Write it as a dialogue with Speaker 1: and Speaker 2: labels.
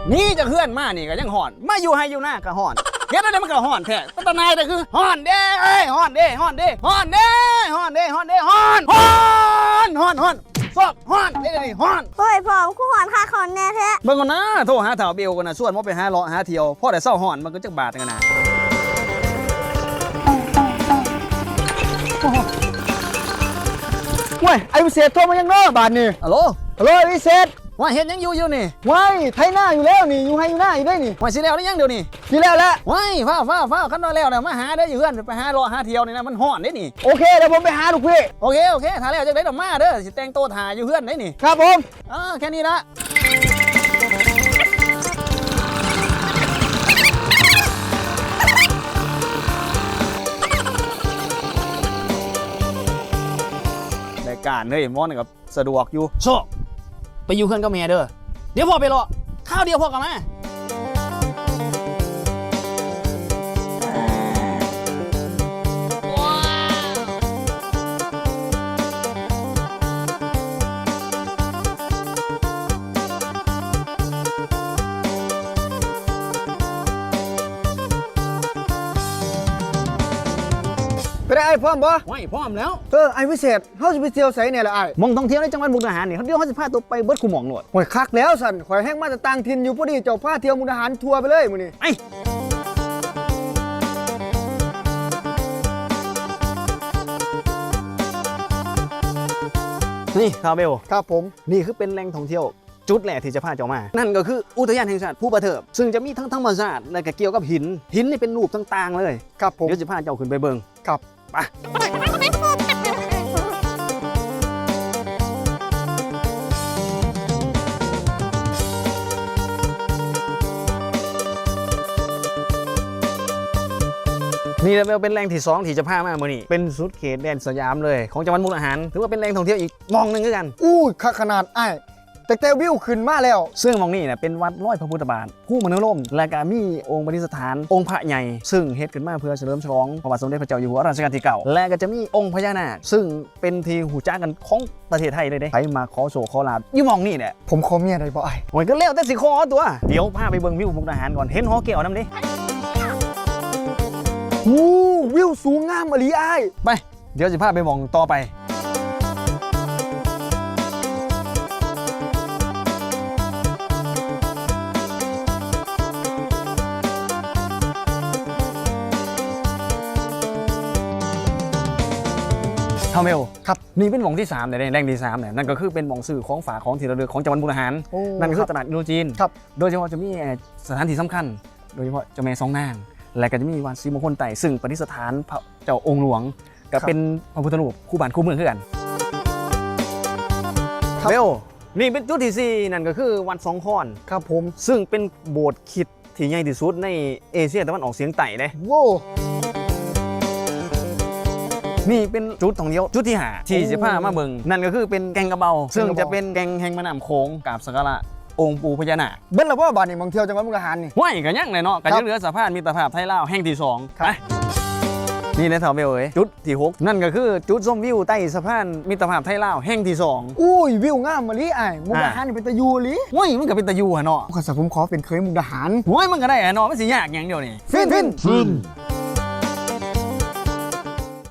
Speaker 1: นี่จะเคลื่อนมานี่ก็ยังห่อนมาอยู่ให้อยู่หน้าก็ห่อนเฮ็ดอะไรมันก็ห่อนแท้ตานายแต่คือห่อนเด้ห่อนเด้ห่อนเด้ห่อนเด้ห่อนเด้ห่อนเด้ห่อนห่อนห่อนห่อนซอกห่อนเด้นี่ห่อน
Speaker 2: เฮ้ยพ่อกูหอนค่าขอนแน่แท้
Speaker 1: เบิ่งก่อนนะโทรหาเฒ่าเบลก่อนนะส่วนบ่ไปหาเลาะหาเที่ยวพอได้เศร้าห่อนมันก็จักบาทกันนะ
Speaker 3: เว้ยไอ้วิเศษโทรมายังเนาะบาทนี่
Speaker 1: ฮัลโหล
Speaker 3: ฮัลโหลไอ้วิเศษ
Speaker 1: ว่าเฮ็ดยังอยู่นี่
Speaker 3: ว้ายไทยหน้าอยู่แล้วนี่อยู่ให้อยู่หน้าอยู่ได้นี่
Speaker 1: ว่าสิแล้วได้ยังเดี๋ยวนี้
Speaker 3: นี่แล้วแหละ
Speaker 1: ว้ายฟ้าคันน้อยแล้วน่ะมาหาได้อยู่เฮือนไปหาเลาะหาเที่ยวนี่นะมันห่อนเด้นี่
Speaker 3: โอเคเดี๋ยวผมไปหาลูกพี่
Speaker 1: โอเคถ้าแล้วจังได๋ดอกมาเด้อสิแต่งโตวถ่าอยู่เฮือนได้นี่
Speaker 3: ครับผม
Speaker 1: แค่นี้ละรายการเฮ้ยมอนกับสะดวกอยู่โชคไปอยู่เพื่อนกับแม่เด้อเดี๋ยวพ่อไปรอข้าวเดียวพ่อกลับมา
Speaker 3: ไปได้ไอ้พร้อมบ่
Speaker 1: ไม่พร้อมแล้ว
Speaker 3: ไอ้วิเศษเฮาสิไปเที่ยวไสเนี่ยล่ะไอ้
Speaker 1: มองท่องเที่ยวในจังหวัดมุกดาหารนี่เขาเดียวเขาจะพาตัวไปเบิดคูหมองหนวด
Speaker 3: ข่อยคักแล้วสันข่อยแห้งมาแต่ต่างถิ่นอยู่พอดีเจ้าพาเที่ยวมุกดาหารทัวร์ไปเลยมื้อนี้
Speaker 1: ไอ้นี่คาเบล
Speaker 3: ครับผม
Speaker 1: นี่คือเป็นแหล่งท่องเที่ยวจุดแรกที่จะพาเจ้ามา นั่นก็คืออุทยานแห่งชาติภูประเถิบซึ่งจะมีทั้งธรรมชาติและก็เกี่ยวกับหินนี่เป็นรูปต่างๆเลย
Speaker 3: ครับผม
Speaker 1: เดี๋ยวจะพาเจ้าขึ้นไปเบิ่ง
Speaker 3: ครับ
Speaker 1: ไปนี่เป็นแหล่งที่2ที่จะพามาเมื่อนี้เป็นสุดเขตแดนสยามเลยของจังหวัดมุกดาหารถือว่าเป็นแหล่งท่องเที่ยวอีกมองหนึ่งด้วยกัน
Speaker 3: อู้คักขนาดไอ้แต่วิวขึ้นมาแล้ว
Speaker 1: ซึ่งมองนี่เนี่ยเป็นวัดร้อยพระพุทธบาทผู้มโนรมและก็มีองค์ปฏิสถานองค์พระใหญ่ซึ่งเฮ็ดขึ้นมาเพื่อเฉลิมฉลองพระบาทสมเด็จพระเจ้าอยู่หัวรัชกาลที่9และก็จะมีองค์พญานาคซึ่งเป็นที่หูจ้ากันของประเทศไทยเลยเด้ใครมาขอโชคขอลาภอยู่มองนี่เนี่ย
Speaker 3: ผมขอเมียได้บ่ไอ้
Speaker 1: โอ้ยก็เลี้ยวแต่สิขอตัวเดี๋ยวพาไปเบิ่งวิวมุกดาหารก่อนเห็นหอแก้วนำดิ
Speaker 3: อู้วิวสูงงามอหลีไอ้
Speaker 1: ไปเดี๋ยวจะพาไปมองต่อไปเท่าเมล
Speaker 3: ครับ
Speaker 1: นี่เป็นหม่องที่3เนี่ยแหล่งที่3เนี่ยนั่นก็คือเป็นหม่องซื้อของฝากของที่ระลึกของจังหวัดมุกดาหาร
Speaker 3: โอ้
Speaker 1: นั่นก็คือตลาดอินโดจีน
Speaker 3: ครับ
Speaker 1: โดยเฉพาะจะมีสถานที่สำคัญ โดยเฉพาะเจ้าแม่สองนาง และก็จะมีวัดศรีมงคลไต่ซึ่งประดิษฐานพระเจ้าองค์หลวงก็เป็นพระพุทธรูปคู่บ้านคู่เมืองคือกันเบลนี่เป็นจุดที่4นั่นก็คือวัดสองคอน
Speaker 3: ครับผม
Speaker 1: ซึ่งเป็นโบสถ์คริสต์ที่ใหญ่ที่สุดในเอเชียตะวันออกเฉียงใต้เลย
Speaker 3: โว้
Speaker 1: นี่เป็นจุดท่องเที่ยวจุดที่5ที่จะพามาเบิ่งนั่นก็คือเป็นแกงกระเบาซึ่งจะเป็นแกงแห่งแม่น้ำโขงกราบสักการะองค์ปู่พญานาค
Speaker 3: เบิ้ลละบ่บาดนี่มองเที่ยวจังหวัดมุกดาหารนี่
Speaker 1: ห้วยกันยังเลยเนาะกัน
Speaker 3: ครั
Speaker 1: ยั
Speaker 3: บ
Speaker 1: งเหลือสะพานมิตรภาพไทยลาวแห่งที่2
Speaker 3: ครับ
Speaker 1: ไปนี่นะเถาเบลเอ้ยจุดที่6นั่นก็คือจุดชมวิวใต้สะพานมิตรภาพไทยลาวแห่งที่2
Speaker 3: อุ้ยวิวงามอหลีไอ้มุกดาหารนี่เป็นตะยูอหลี
Speaker 1: ห้วยมันก็เป็นตะยูหะเนาะ
Speaker 3: ข้าสักผมขอเป็นเคยมุกดาหาร
Speaker 1: ห้วยมันก็ได้หะเนาะไม่สิยากอย่างเดียวนี่
Speaker 3: ฟิน